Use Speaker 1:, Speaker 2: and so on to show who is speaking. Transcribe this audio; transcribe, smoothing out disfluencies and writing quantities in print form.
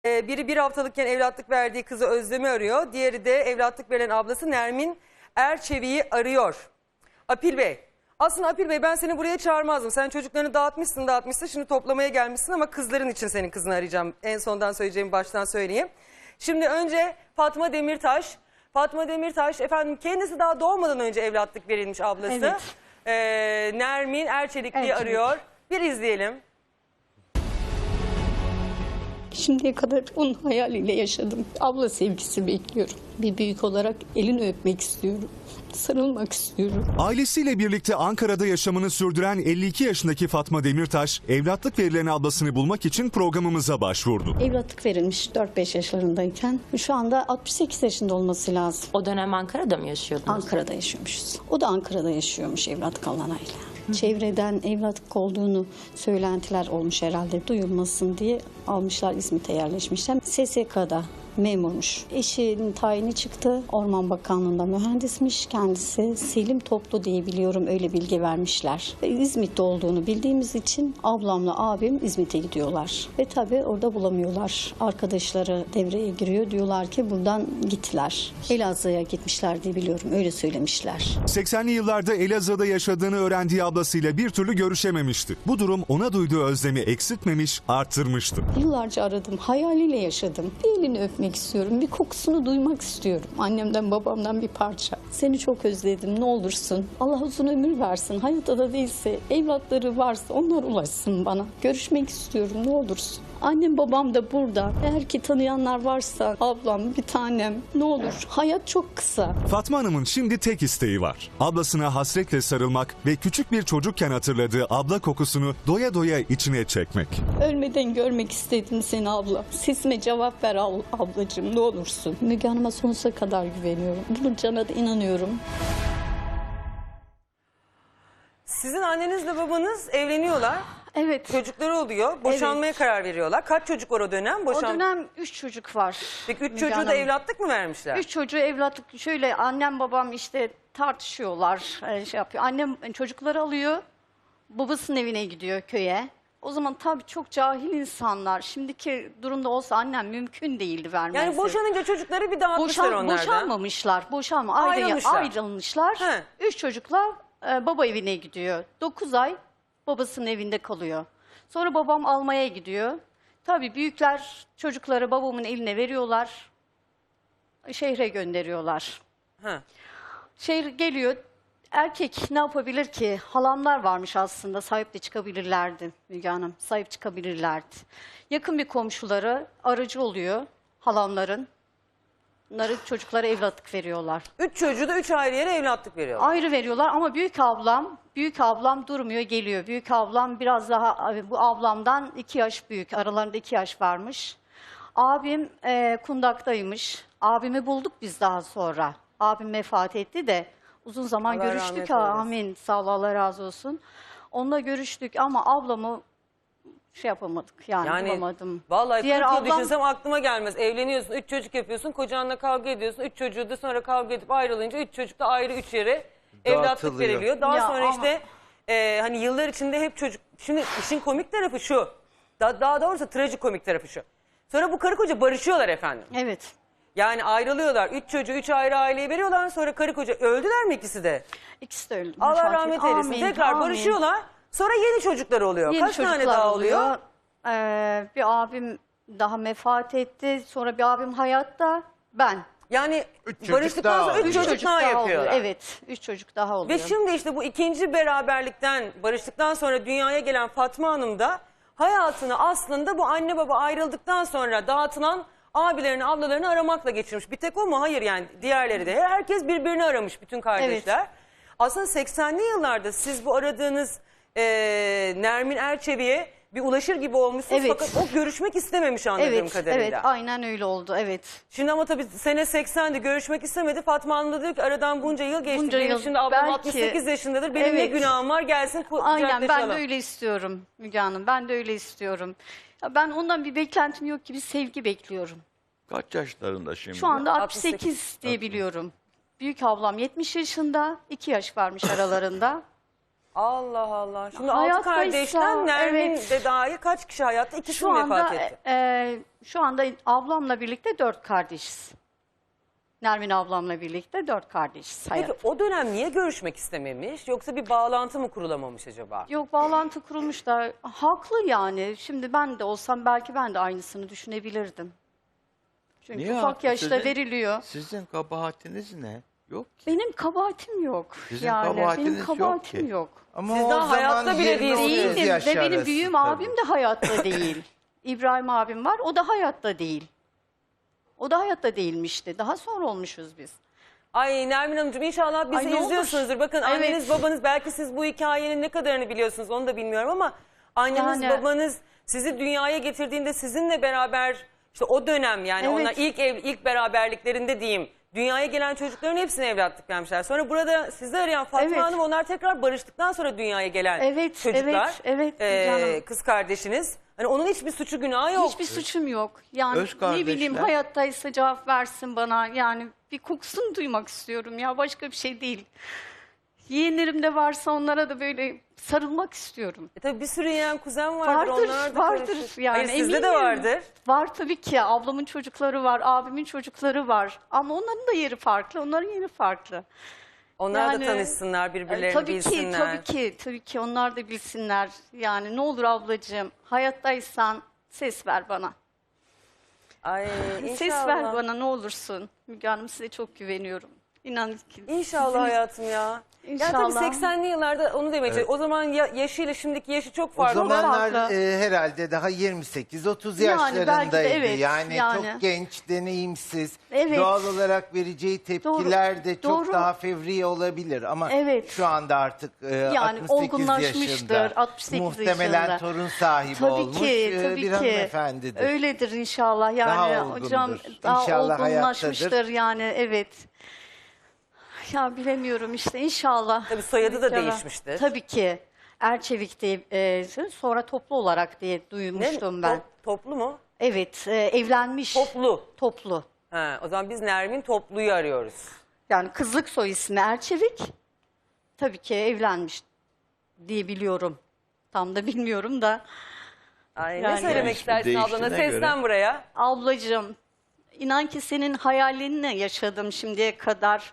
Speaker 1: Biri bir haftalıkken evlatlık verdiği kızı Özlem'i arıyor. Diğeri de evlatlık veren ablası Nermin Erçevi'yi arıyor. Apil Bey. Aslında Apil Bey, ben seni buraya çağırmazdım. Sen çocuklarını dağıtmışsın. Şimdi toplamaya gelmişsin ama kızların için senin kızını arayacağım. En sondan söyleyeceğimi baştan söyleyeyim. Şimdi önce Fatma Demirtaş. Fatma Demirtaş efendim kendisi daha doğmadan önce evlatlık verilmiş ablası.
Speaker 2: Evet.
Speaker 1: Nermin Erçelikli'yi arıyor. Bir izleyelim.
Speaker 2: Şimdiye kadar onun hayaliyle yaşadım. Abla sevgisi bekliyorum. Bir büyük olarak elini öpmek istiyorum. Sarılmak istiyorum.
Speaker 3: Ailesiyle birlikte Ankara'da yaşamını sürdüren 52 yaşındaki Fatma Demirtaş, evlatlık verilen ablasını bulmak için programımıza başvurdu.
Speaker 2: Evlatlık verilmiş 4-5 yaşlarındayken. Şu anda 68 yaşında olması lazım.
Speaker 4: O dönem Ankara'da mı yaşıyordunuz?
Speaker 2: Ankara'da yaşıyormuşuz. O da Ankara'da yaşıyormuş evlatlık alanayla. Çevreden evlatlık olduğunu söylentiler olmuş herhalde, duyulmasın diye almışlar, İzmit'e yerleşmişler. SSK'da memurmuş. Eşinin tayini çıktı. Orman Bakanlığı'nda mühendismiş kendisi. Selim Toplu diye biliyorum, öyle bilgi vermişler. İzmit'te olduğunu bildiğimiz için ablamla abim İzmit'e gidiyorlar. Ve tabii orada bulamıyorlar. Arkadaşları devreye giriyor. Diyorlar ki buradan gittiler. Elazığ'a gitmişler diye biliyorum. Öyle söylemişler.
Speaker 3: 80'li yıllarda Elazığ'da yaşadığını öğrendiği ablasıyla bir türlü görüşememişti. Bu durum ona duyduğu özlemi eksiltmemiş, arttırmıştı.
Speaker 2: Yıllarca aradım. Hayaliyle yaşadım. Bir elini öpmek istiyorum. Bir kokusunu duymak istiyorum. Annemden babamdan bir parça. Seni çok özledim. Ne olursun. Allah uzun ömür versin. Hayatta da değilse, evlatları varsa onlar ulaşsın bana. Görüşmek istiyorum. Ne olursun. Annem babam da burada. Eğer ki tanıyanlar varsa ablam, bir tanem, ne olur. Hayat çok kısa.
Speaker 3: Fatma Hanım'ın şimdi tek isteği var. Ablasına hasretle sarılmak ve küçük bir çocukken hatırladığı abla kokusunu doya doya içine çekmek.
Speaker 2: Ölmeden görmek istedim seni abla. Sesime cevap ver ablacığım, ne olursun. Müge Hanım'a sonsuza kadar güveniyorum. Bunun cana da inanıyorum.
Speaker 1: Sizin annenizle babanız evleniyorlar.
Speaker 2: Evet.
Speaker 1: Çocukları oluyor. Boşanmaya karar veriyorlar. Kaç çocuk var o dönem?
Speaker 5: O dönem 3 çocuk var.
Speaker 1: Peki 3
Speaker 5: Müge
Speaker 1: çocuğu da
Speaker 5: Hanım.
Speaker 1: evlatlık mı vermişler?
Speaker 5: 3 çocuğu evlatlık, şöyle annem babam işte tartışıyorlar, şey yapıyor. Annem çocukları alıyor, babasının evine gidiyor köye. O zaman tabii çok cahil insanlar. Şimdiki durumda olsa annem mümkün değildi vermesi.
Speaker 1: Yani boşanınca çocukları bir dağıtmışlar onlardan.
Speaker 5: Boşanmamışlar.
Speaker 1: Ayrılmışlar.
Speaker 5: Ayrılmışlar.
Speaker 1: He.
Speaker 5: 3 çocuklar baba evine gidiyor. 9 ay babasının evinde kalıyor. Sonra babam almaya gidiyor. Tabii büyükler çocukları babamın eline veriyorlar. Şehre gönderiyorlar.
Speaker 1: Ha.
Speaker 5: Şehir geliyor. Erkek ne yapabilir ki? Halamlar varmış aslında. Sahip de çıkabilirlerdi Müge Hanım. Sahip çıkabilirlerdi. Yakın bir komşuları aracı oluyor halamların. Bunları çocuklara evlatlık veriyorlar.
Speaker 1: 3 çocuğu da 3 ayrı yere evlatlık veriyorlar.
Speaker 5: Ayrı veriyorlar ama büyük ablam durmuyor, geliyor. Büyük ablam biraz daha, bu ablamdan 2 yaş büyük. Aralarında 2 yaş varmış. Abim kundaktaymış. Abimi bulduk biz daha sonra. Abim vefat etti de uzun zaman
Speaker 1: Allah rahmet
Speaker 5: görüştük.
Speaker 1: eylesin.
Speaker 5: Amin. Sağ ol, Allah razı olsun. Onunla görüştük ama ablamı şey yapamadık, yani bulamadım.
Speaker 1: Vallahi
Speaker 5: Diğer
Speaker 1: 40 yıl
Speaker 5: ablam-
Speaker 1: düşünsem aklıma gelmez. Evleniyorsun, 3 çocuk yapıyorsun, kocanla kavga ediyorsun. 3 çocuğu da sonra kavga edip ayrılınca 3 çocuk da ayrı 3 yere evlatlık
Speaker 6: Dağıtılıyor.
Speaker 1: veriliyor. Daha
Speaker 5: Ya
Speaker 1: sonra
Speaker 5: ama-
Speaker 1: işte hani yıllar içinde hep çocuk. Şimdi işin komik tarafı şu. Daha doğrusu trajikomik tarafı şu. Sonra bu karı koca barışıyorlar efendim.
Speaker 5: Evet.
Speaker 1: Yani ayrılıyorlar. 3 çocuğu 3 ayrı aileye veriyorlar. Sonra karı koca öldüler mi ikisi de?
Speaker 5: İkisi de öldü.
Speaker 1: Allah
Speaker 5: vefat
Speaker 1: rahmet
Speaker 5: etti.
Speaker 1: eylesin.
Speaker 5: Amin,
Speaker 1: Tekrar
Speaker 5: amin.
Speaker 1: barışıyorlar. Sonra yeni çocuklar oluyor.
Speaker 5: Yeni
Speaker 1: Kaç tane
Speaker 5: çocuklar
Speaker 1: daha oluyor?
Speaker 5: Bir abim daha vefat etti. Sonra bir abim hayatta. Ben.
Speaker 1: Yani
Speaker 6: Üç çocuk
Speaker 1: barıştıktan
Speaker 6: daha
Speaker 1: sonra 3
Speaker 6: oluyor.
Speaker 1: çocuk daha
Speaker 5: oluyor.
Speaker 1: yapıyorlar.
Speaker 5: Evet. 3 çocuk daha oluyor.
Speaker 1: Ve şimdi işte bu ikinci beraberlikten, barıştıktan sonra dünyaya gelen Fatma Hanım da hayatını aslında bu anne baba ayrıldıktan sonra dağıtılan abilerini, ablalarını aramakla geçirmiş. Bir tek o mu? Hayır, yani diğerleri de. Herkes birbirini aramış, bütün kardeşler. Aslında 80'li yıllarda siz bu aradığınız Nermin Erçevi'ye bir ulaşır gibi olmuşsunuz.
Speaker 5: Evet.
Speaker 1: Fakat o görüşmek istememiş anladığım kadarıyla.
Speaker 5: Evet, aynen öyle oldu. Evet.
Speaker 1: Şimdi ama tabii sene 80'di, görüşmek istemedi. Fatma Hanım da diyor ki aradan bunca yıl geçti.
Speaker 5: Bunca
Speaker 1: Benim
Speaker 5: yıl,
Speaker 1: şimdi ablam
Speaker 5: belki-
Speaker 1: 68 yaşındadır. Benim ne
Speaker 5: Evet.
Speaker 1: günahım var, gelsin
Speaker 5: Aynen, ben de
Speaker 1: kucaklaşalım.
Speaker 5: öyle istiyorum Müge Hanım. Ben de öyle istiyorum. Ya ben ondan bir beklentim yok ki, bir sevgi bekliyorum.
Speaker 6: Kaç yaşlarında şimdi?
Speaker 5: Şu anda
Speaker 1: 68
Speaker 5: 68 diye biliyorum. Büyük ablam 70 yaşında, 2 yaş varmış aralarında.
Speaker 1: Allah Allah. Şimdi
Speaker 5: Hayattaysa,
Speaker 1: altı kardeşten Nermin
Speaker 5: evet.
Speaker 1: de dahil kaç kişi hayatta? İkisi
Speaker 5: Şu
Speaker 1: mi
Speaker 5: anda
Speaker 1: vefat etti?
Speaker 5: şu anda ablamla birlikte 4 kardeşiz. Nermin ablamla birlikte 4 kardeşiz
Speaker 1: Peki
Speaker 5: hayatta.
Speaker 1: o dönem niye görüşmek istememiş? Yoksa bir bağlantı mı kurulamamış acaba?
Speaker 5: Yok, bağlantı kurulmuş da haklı yani. Şimdi ben de olsam belki ben de aynısını düşünebilirdim. Çünkü
Speaker 6: Niye
Speaker 5: ufak
Speaker 6: haklı?
Speaker 5: yaşta veriliyor.
Speaker 6: Sizin kabahatiniz ne? Yok ki.
Speaker 5: Benim kabahatim yok.
Speaker 6: Sizin
Speaker 5: yani
Speaker 6: kabahatiniz
Speaker 5: benim
Speaker 6: yok
Speaker 5: kabahatim
Speaker 6: ki.
Speaker 5: yok.
Speaker 7: Ama
Speaker 1: Siz
Speaker 7: o
Speaker 1: daha hayatta
Speaker 7: zaman
Speaker 1: bile
Speaker 7: 20-30
Speaker 1: değilsiniz.
Speaker 5: Değilim
Speaker 7: yaş
Speaker 5: ve benim
Speaker 7: arası
Speaker 5: büyüğüm
Speaker 7: tabii.
Speaker 5: abim de hayatta değil. İbrahim abim var, o da hayatta değil. O da hayatta değilmişti. Daha sonra olmuşuz biz.
Speaker 1: Ay Nermin Hanımcığım inşallah bizi
Speaker 5: Ay, ne olur.
Speaker 1: izliyorsunuzdur. Bakın
Speaker 5: Evet.
Speaker 1: anneniz babanız belki siz bu hikayenin ne kadarını biliyorsunuz onu da bilmiyorum ama anneniz
Speaker 5: Yani-
Speaker 1: babanız sizi dünyaya getirdiğinde sizinle beraber işte o dönem yani
Speaker 5: Evet.
Speaker 1: onlar ilk beraberliklerinde diyeyim dünyaya gelen çocukların hepsine evlatlık vermişler. Sonra burada sizi arayan Fatma
Speaker 5: Evet.
Speaker 1: Hanım onlar tekrar barıştıktan sonra dünyaya gelen
Speaker 5: Evet,
Speaker 1: çocuklar.
Speaker 5: evet, canım.
Speaker 1: Kız kardeşiniz. Hani onun hiçbir suçu günahı yok.
Speaker 5: Hiçbir suçum yok. Yani
Speaker 6: Öz
Speaker 5: ne bileyim
Speaker 6: kardeşler.
Speaker 5: hayattaysa cevap versin bana. Yani bir kokusunu duymak istiyorum ya, başka bir şey değil. Yeğenlerim de varsa onlara da böyle sarılmak istiyorum.
Speaker 1: Tabii bir sürü yeğen kuzen vardır.
Speaker 5: Vardır,
Speaker 1: onlar da
Speaker 5: vardır
Speaker 1: karışır.
Speaker 5: yani,
Speaker 1: Hayır, sizde de
Speaker 5: eminim.
Speaker 1: vardır.
Speaker 5: Var tabii ki. Ablamın çocukları var, abimin çocukları var. Ama onların da yeri farklı, onların yeri farklı.
Speaker 1: Onlar da
Speaker 5: Yani-
Speaker 1: tanışsınlar, birbirlerini
Speaker 5: Tabii
Speaker 1: bilsinler.
Speaker 5: tabii ki onlar da bilsinler. Yani ne olur ablacığım, hayattaysan ses ver bana.
Speaker 1: Ay
Speaker 5: Ses
Speaker 1: inşallah.
Speaker 5: ver bana ne olursun. Müge Hanım, size çok güveniyorum. İnan ki.
Speaker 1: İnşallah
Speaker 5: sizin-
Speaker 1: hayatım ya. Yani tabii
Speaker 5: İnşallah.
Speaker 1: 80'li yıllarda onu demeye çalışıyorum. O zaman yaşıyla şimdiki yaşı çok
Speaker 7: O
Speaker 1: farklı.
Speaker 7: zamanlar
Speaker 5: farklı.
Speaker 7: herhalde daha 28-30
Speaker 5: Yani
Speaker 7: yaşlarındaydı.
Speaker 5: belki de evet,
Speaker 7: yani
Speaker 5: yani.
Speaker 7: çok genç, deneyimsiz.
Speaker 5: Evet.
Speaker 7: Doğal olarak vereceği tepkiler de çok
Speaker 5: Doğru.
Speaker 7: daha fevri olabilir. Ama
Speaker 5: Evet.
Speaker 7: şu anda artık
Speaker 5: Yani
Speaker 7: 68
Speaker 5: olgunlaşmıştır,
Speaker 7: yaşında.
Speaker 5: 68
Speaker 7: Muhtemelen
Speaker 5: yaşında.
Speaker 7: torun sahibi
Speaker 5: Tabii
Speaker 7: olmuş
Speaker 5: ki,
Speaker 7: bir
Speaker 5: tabii ki.
Speaker 7: hanımefendidir.
Speaker 5: Öyledir inşallah. Yani
Speaker 7: Daha olgundur.
Speaker 5: hocam daha
Speaker 7: İnşallah
Speaker 5: olgunlaşmıştır
Speaker 7: hayattadır.
Speaker 5: yani, evet. Ya bilemiyorum işte, inşallah.
Speaker 1: Tabii soyadı da
Speaker 5: İnşallah.
Speaker 1: değişmiştir.
Speaker 5: Tabii ki. Erçevik'te sonra toplu olarak diye duymuştum ben.
Speaker 1: Toplu mu?
Speaker 5: Evet, evlenmiş.
Speaker 1: Toplu.
Speaker 5: Toplu.
Speaker 1: Ha, o zaman biz Nermin Toplu'yu arıyoruz.
Speaker 5: Yani kızlık soy ismi Erçevik. Tabii ki evlenmiş diye biliyorum. Tam da bilmiyorum da.
Speaker 1: Ay, ne
Speaker 5: Yani-
Speaker 1: söylemek istersin
Speaker 6: Değiştiğine
Speaker 1: ablana?
Speaker 6: göre.
Speaker 1: Seslen buraya.
Speaker 5: Ablacığım, inan ki senin hayalini yaşadım şimdiye kadar.